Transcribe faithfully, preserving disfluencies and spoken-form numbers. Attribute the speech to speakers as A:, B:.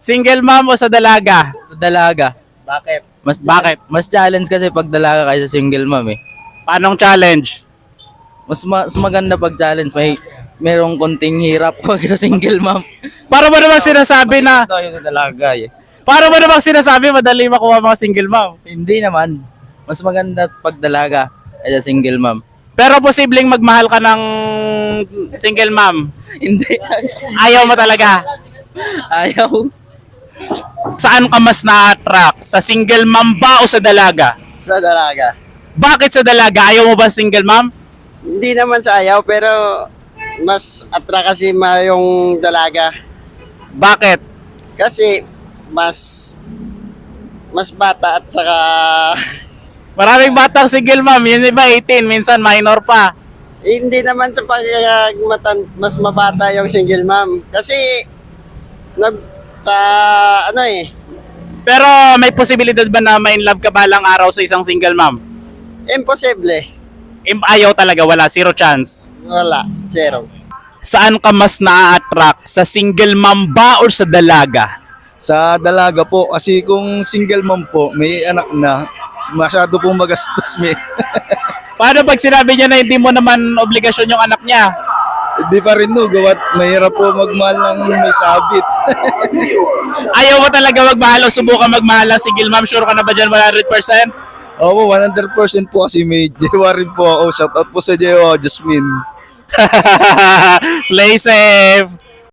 A: Single mom o sa dalaga?
B: Sa dalaga.
A: Bakit?
B: Mas
A: Bakit?
B: Mas challenge kasi pag dalaga kaysa single mom eh.
A: Paanong challenge?
B: Mas, ma- mas maganda pag challenge. May merong konting hirap pag sa single mom.
A: Para mo naman sinasabi na,
B: Ito yung sa dalaga eh.
A: para mo naman sinasabi madali makuha mga single mom.
B: Hindi naman. Mas maganda pag dalaga kaysa single mom.
A: Pero posibleng magmahal ka ng single mom.
B: Hindi.
A: Ayaw mo talaga.
B: Ayaw.
A: Saan ka mas na-attract? Sa single mom ba o sa dalaga?
C: Sa dalaga.
A: Bakit sa dalaga? Ayaw mo ba single mom?
C: Hindi naman sa ayaw, pero mas attract kasi ma yung dalaga.
A: Bakit?
C: Kasi mas mas bata at saka
A: Maraming batang single mom. Yun iba eighteen, minsan minor pa.
C: eh, hindi naman sa pagmatan mas mabata yung single mom. Kasi nag sa ano eh,
A: Pero may posibilidad ba na ma-in love ka balang araw sa isang single mom?
C: imposible.
A: Im- Ayaw talaga, wala, zero chance.
C: Wala, zero.
A: Saan ka mas na-attract? Sa single mom ba or sa dalaga?
D: Sa dalaga po, kasi kung single mom po, may anak na, masyado pong magastos may.
A: Paano pag sinabi niya na hindi mo naman obligasyon yung anak niya?
D: Hindi pa rin no, gawat mahirap po magmahal ng may sabit.
A: Ayaw mo talaga magmahal o subukan magmahal ng single mom? Sure ka na ba dyan one hundred percent?
D: Oo, one hundred percent po kasi may Jewa rin po ako. Shout out po sa Jewa, Jasmine.
A: Play safe!